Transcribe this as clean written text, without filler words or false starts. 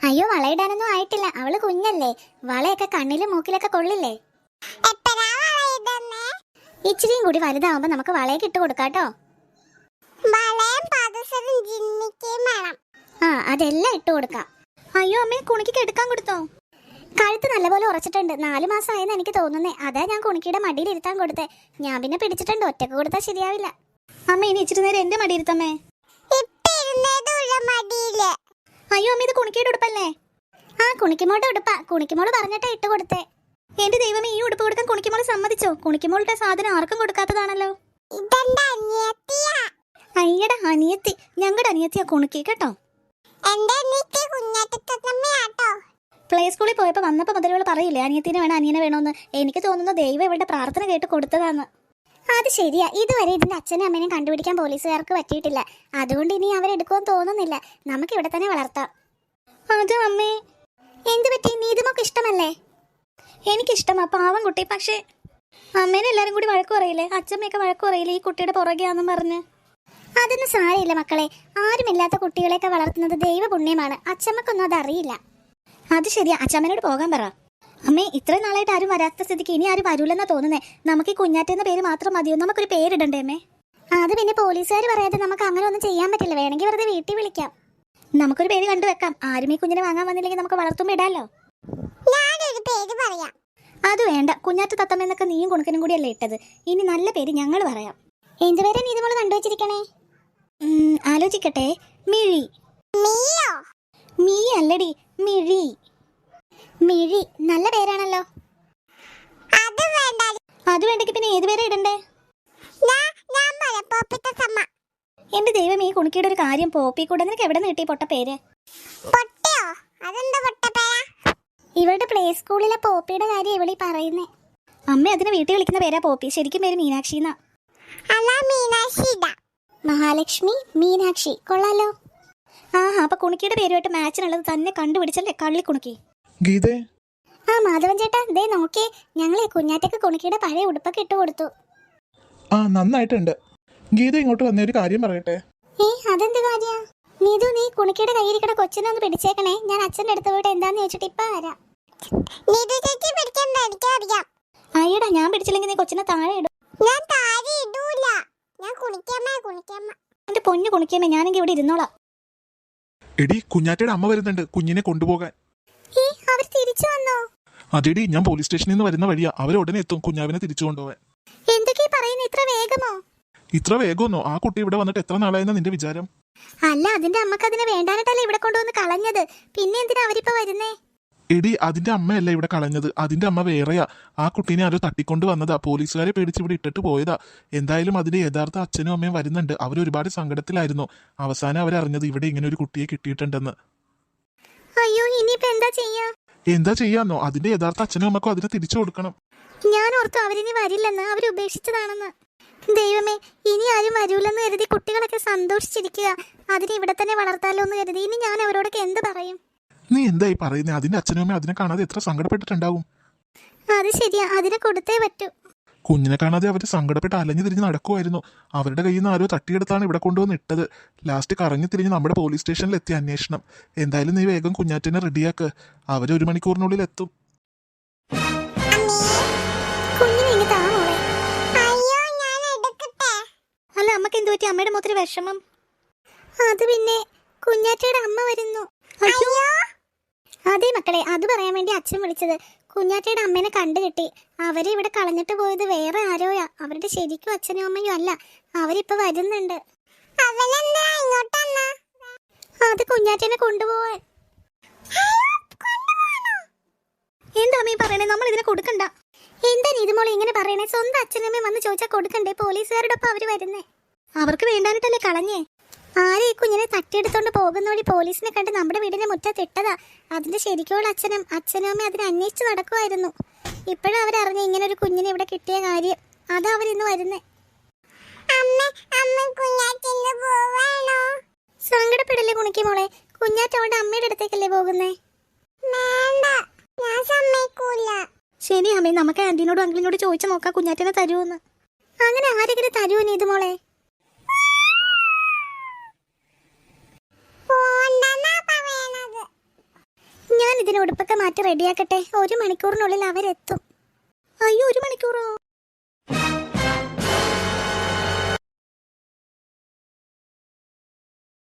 അയ്യോ, വളയിടാനൊന്നും ആയിട്ടില്ല. അവള് കുഞ്ഞല്ലേ. വളയൊക്കെ കണ്ണിലും മൂക്കിലൊക്കെ കൊള്ളില്ലേ. ഇച്ചിരിയും കൂടി വലുതാവുമ്പോ നമുക്ക് വളയൊക്കെ ഇട്ട് കൊടുക്കാട്ടോ. ആ, അതെല്ലാം ഇട്ട് കൊടുക്കാം. അയ്യോ അമ്മേ, കുണിക്ക് എടുക്കാൻ കൊടുത്തോ? കഴുത്ത് നല്ലപോലെ ഉറച്ചിട്ടുണ്ട്. 4 മാസമായെന്ന് എനിക്ക് തോന്നുന്നേ. അതാ ഞാൻ കുണിക്കിയുടെ മടിയിൽ ഇരുത്താൻ കൊടുത്തേ. ഞാൻ പിന്നെ പിടിച്ചിട്ടുണ്ട്. ഒറ്റക്ക് കൊടുത്താൽ ശരിയാവില്ല. അമ്മ, ഇനി ഇച്ചിരി നേരം എന്റെ മടി ഇരുത്തമ്മേ. അയ്യോ അമ്മ, ഇത് കുണിക്കിയുടെ ഉടുപ്പല്ലേ? ആ, കുണിക്കുമോളുടെ ഉടുപ്പാ. കുണിക്കുമോള് പറഞ്ഞിട്ടാ ഇട്ട് കൊടുത്തേ. എന്റെ ദൈവമേ, ഈ ഉടുപ്പ് കൊടുക്കാൻ കുണിക്കുമോള് സമ്മതിച്ചോ? കുണിക്കുമോളുടെ സാധനം ആർക്കും കൊടുക്കാത്തതാണല്ലോ. അയ്യടാ, അനിയത്തി. ഞങ്ങളുടെ അനിയത്തിയാ കുണിക്കി കേട്ടോ. പ്ലേ സ്കൂളിൽ പോയപ്പോ വന്നപ്പോ മുതലുകൾ പറയില്ലേ അനിയത്തിനെ വേണം, അനിയനെ വേണോന്ന്. എനിക്ക് തോന്നുന്നു ദൈവം ഇവരുടെ പ്രാർത്ഥന കേട്ട് കൊടുത്തതാന്ന്. അത് ശരിയാ. ഇതുവരെ ഇതിന്റെ അച്ഛനും അമ്മേനെയും കണ്ടുപിടിക്കാൻ പോലീസുകാർക്ക് പറ്റിയിട്ടില്ല. അതുകൊണ്ട് ഇനി അവരെടുക്കുമെന്ന് തോന്നുന്നില്ല. നമുക്ക് ഇവിടെ തന്നെ വളർത്താം. അത് അമ്മേ. എന്ത് പറ്റി? നീതുമൊക്കെ ഇഷ്ടമല്ലേ? എനിക്കിഷ്ടമാ, പാവം കുട്ടി. പക്ഷേ അമ്മേനെ എല്ലാരും കൂടി വഴക്കു പറയില്ലേ? അച്ഛമ്മയൊക്കെ വഴക്കു പറയില്ലേ ഈ കുട്ടിയുടെ പുറകെയാന്നും പറഞ്ഞ്? അതൊന്നും സാരമില്ല മക്കളെ. ആരുമില്ലാത്ത കുട്ടികളെയൊക്കെ വളർത്തുന്നത് ദൈവപുണ്യമാണ്. അച്ഛമ്മക്കൊന്നും അതറിയില്ല. അത് ശരിയാ. അച്ഛമ്മേനോട് പോകാൻ പറ. അമ്മേ, ഇത്രയും നാളായിട്ട് ആരും വരാത്ത സ്ഥിതിക്ക് ഇനി ആരും വരൂലെന്നാ തോന്നുന്നേ. നമുക്ക് ഈ കുഞ്ഞാറ്റെന്ന പേര് മാത്രം മതിയോ? നമുക്കൊരു പേരിടണ്ടേ അമ്മേ? അത് പിന്നെ പോലീസുകാർ പറയാതെ നമുക്ക് അങ്ങനെ ഒന്നും ചെയ്യാൻ പറ്റില്ല. വേണമെങ്കിൽ വെറുതെ വീട്ടിൽ വിളിക്കാം. നമുക്കൊരു പേര് കണ്ടുവെക്കാം. ആരും ഈ കുഞ്ഞിനെ വാങ്ങാൻ വന്നില്ലെങ്കിൽ നമുക്ക് വളർത്തുമ്പോൾ ഇടാലോ. അത് വേണ്ട. കുഞ്ഞാറ്റ തത്തമ്മന്നൊക്കെ നീയും കുണുക്കനും കൂടിയല്ലേ ഇട്ടത്. ഇനി നല്ല പേര് ഞങ്ങൾ പറയാം. എന്തുവരെ നീ ഇതുപോലെ കണ്ടുവച്ചിരിക്കണേ? ആലോചിക്കട്ടെ. മിഴി. മീ അല്ലടി, മിഴി. മിഴി നല്ല പേരാണല്ലോ. അത് വേണ്ടെങ്കിൽ പിന്നെ ഏത് പേരാ ഇടണ്ടേ? എന്റെ ദൈവം, ഈ കുണിക്കിയുടെ ഒരു കാര്യം. പോപ്പി കൂടെ നിനക്ക് എവിടെ നിന്ന് കിട്ടി പൊട്ട പേര്? ഇവളുടെ പ്ലേ സ്കൂളിലെ പോപ്പിയുടെ കാര്യം ഇവളീ പറയുന്നേ. അമ്മ അതിനെ വീട്ടിൽ വിളിക്കുന്ന പേരാ പോപ്പി. ശരിക്കും പേര് മീനാക്ഷി എന്നാ. മഹാലക്ഷ്മി, മീനാക്ഷി. കൊള്ളാലോ. ആഹാ, അപ്പൊ കുണിക്കിയുടെ പേരുമായിട്ട് മാച്ചിനുള്ളത് തന്നെ കണ്ടുപിടിച്ചല്ലേ കള്ളി കുണുക്കി. ഗീതേ. ആ, മാധവൻ ചേട്ടാ, ദേ നോക്കിയേ. ഞങ്ങളെ കുഞ്ഞാറ്റക്ക് കുണിക്കിയുടെ പഴയ ഉടുപ്പൊക്കെ ഇട്ട് കൊടുത്തു. ആ, നന്നായിട്ടുണ്ട്. ഗീത ഇങ്ങോട്ട് വന്ന ഒരു കാര്യം പറയട്ടെ. അതെന്ത് കാര്യ? നീതു, നീ കുണിക്കിയുടെ കയ്യിരിക്കണ കൊച്ചിനെ ഒന്ന് പിടിച്ചേക്കണേ. ഞാൻ അച്ഛൻ്റെ അടുത്ത് പോയിട്ട് എന്താന്ന് ചോദിച്ചിട്ട് ഇപ്പൊ വരാം. അയ്യടാ, ഞാൻ പിടിച്ചില്ലെങ്കിൽ നീ കൊച്ചിനെ താഴെ ഇടും. എന്റെ പൊന്നു കുണിക്കമ്മേ, ഞാനെങ്കിൽ ഇവിടെ ഇരുന്നോളാം. എടി, കുഞ്ഞാറ്റയുടെ അമ്മ വരുന്നുണ്ട് കുഞ്ഞിനെ കൊണ്ടുപോകാൻ. അവർ തിരിച്ചു വന്നോ? അതെടി, ഞാൻ പോലീസ് സ്റ്റേഷനിൽ നിന്ന് വരുന്ന വഴിയാ. അവർ ഉടനെ എത്തും കുഞ്ഞാവിനെ തിരിച്ചു കൊണ്ടുപോകാൻ. എന്തൊക്കെയാ പറയുന്നത്? ഇത്ര വേഗമോ? ഇത്ര വേഗമൊന്നോ? ആ കുട്ടി ഇവിടെ വന്നിട്ട് എത്ര നാളായെന്നാ നിന്റെ വിചാരം? അല്ല, അതിന്റെ അമ്മക്ക് അതിനെ വേണ്ടാനിട്ടല്ലേ ഇവിടെ കൊണ്ടുവന്ന് കളഞ്ഞത്. പിന്നെ എന്തിനാ അവരിപ്പോ വരുന്നേ? എടി, അതിന്റെ അമ്മയല്ല ഇവിടെ കളഞ്ഞത്. അതിന്റെ അമ്മ വേറെയാ. ആ കുട്ടീനെ ആരോ തട്ടിക്കൊണ്ട് വന്നതാ. പോലീസുകാരെ പേടിച്ച് ഇവിടെ ഇട്ടിട്ട് പോയതാ. എന്തായാലും അതിന്റെ യഥാർത്ഥ അച്ഛനും അമ്മയും വരുന്നുണ്ട്. അവർ ഒരുപാട് സങ്കടത്തിലായിരുന്നു. അവസാനം അവരറിഞ്ഞത് ഇവിടെ ഇങ്ങനെ ഒരു കുട്ടിയെ കിട്ടിയിട്ടുണ്ടെന്ന്. അയ്യോ, ഇനിയിപ്പോ എന്താ ചെയ്യാ? എന്താ ചെയ്യാന്നോ? അതിന്റെ യഥാർത്ഥ അച്ഛനും അമ്മക്കും അതിനെ തിരിച്ചു കൊടുക്കണം. ഞാൻ ഓർത്തു അവരിനി വരില്ലെന്ന്, അവരുപേക്ഷിച്ചതാണെന്ന്. ദൈവമേ, ഇനി ആരും വരൂലെന്ന് കരുതി കുട്ടികളൊക്കെ സന്തോഷിച്ചിരിക്കുക. അതിനെ ഇവിടെ തന്നെ വളർത്താലോ എന്ന് കരുതി. ഇനി ഞാൻ അവരോടൊക്കെ എന്ത് പറയും? നീ എന്തായി പറയുന്നേ? അതിന്റെ അച്ഛനും അമ്മയും അതിനെ കാണാതെ എത്ര സങ്കടപ്പെട്ടിട്ടുണ്ടാവും. അത് ശരിയാ, അതിനെ കൊടുത്തേ പറ്റൂ. കുഞ്ഞിനെ കാണാതെ അവര് സങ്കടപ്പെട്ട് അലഞ്ഞു തിരിഞ്ഞ് നടക്കുമായിരുന്നു. അവരുടെ കയ്യിൽ നിന്ന് ആരോ തട്ടിയെടുത്താണ് ഇവിടെ കൊണ്ടുവന്ന് ഇട്ടത്. ലാസ്റ്റ് കറങ്ങി തിരിഞ്ഞ് നമ്മുടെ പോലീസ് സ്റ്റേഷനിൽ എത്തി അന്വേഷണം. എന്തായാലും നീ വേഗം കുഞ്ഞാറ്റിനെ റെഡിയാക്ക്. അവർ 1 മണിക്കൂറിനുള്ളിൽ എത്തും. അല്ല, അമ്മക്ക് എന്ത് പറ്റി? അമ്മയുടെ മുഖത്തൊരു വിഷമം. അത് പിന്നെ കുഞ്ഞാറ്റയുടെ അമ്മ വരുന്നു. അതെ മക്കളെ, അത് പറയാൻ വേണ്ടി അച്ഛൻ വിളിച്ചത്. കുഞ്ഞാറ്റയുടെ അമ്മേനെ കണ്ടു കിട്ടി. അവരെ ഇവിടെ കളഞ്ഞിട്ട് പോയത് വേറെ ആരോയാ. അവരുടെ ശരിക്കും അച്ഛനും അമ്മയും അല്ല. അവരിപ്പോ വരുന്നുണ്ട്. അത് കുഞ്ഞാറ്റേനെ കൊണ്ടുപോവാൻ. എന്താ അമ്മ പറയണേ? നമ്മൾ ഇതിനെ കൊടുക്കണ്ട. എന്താ നീതുമോളെ ഇങ്ങനെ പറയണേ? സ്വന്തം അച്ഛനമ്മയും വന്ന് ചോദിച്ചാൽ കൊടുക്കണ്ടേ? പോലീസുകാരുടെ ഒപ്പം അവര് വരുന്നേ. അവർക്ക് വേണ്ടാനിട്ടല്ലേ കളഞ്ഞേ. ആരെ ഈ കുഞ്ഞിനെ തട്ടിയെടുത്തോണ്ട് പോകുന്ന വഴി പോലീസിനെ കണ്ട് നമ്മുടെ വീടിന്റെ മുറ്റത്തിട്ടതാ. അതിന്റെ ശരിക്കുള്ള അച്ഛനും അമ്മയും അതിനെ അന്വേഷിച്ച് നടക്കുമായിരുന്നു. ഇപ്പോഴും അവരറിഞ്ഞ ഇങ്ങനെ ഒരു കുഞ്ഞിനെ ഇവിടെ കിട്ടിയ കാര്യം. അതാ അവരിന്ന് വരുന്നേ. സങ്കടപ്പെടല്ലേ കുണിക്ക് മോളെ. കുഞ്ഞാറ്റോടെ അമ്മയുടെ അടുത്തേക്കല്ലേ പോകുന്നേ? ശരി അമ്മേ, നമുക്ക് ആന്റീനോടും അങ്കിളിനോട് ചോദിച്ചു നോക്കാം കുഞ്ഞാറ്റനെ തരുമെന്ന്. അങ്ങനെ ആരെങ്കിലും തരുമോ നീതു മോളെ? ഇതിന് ഉടുപ്പൊക്കെ മാറ്റി റെഡിയാക്കട്ടെ. 1 മണിക്കൂറിനുള്ളിൽ അവരെത്തും. അയ്യോ, 1 മണിക്കൂറോ?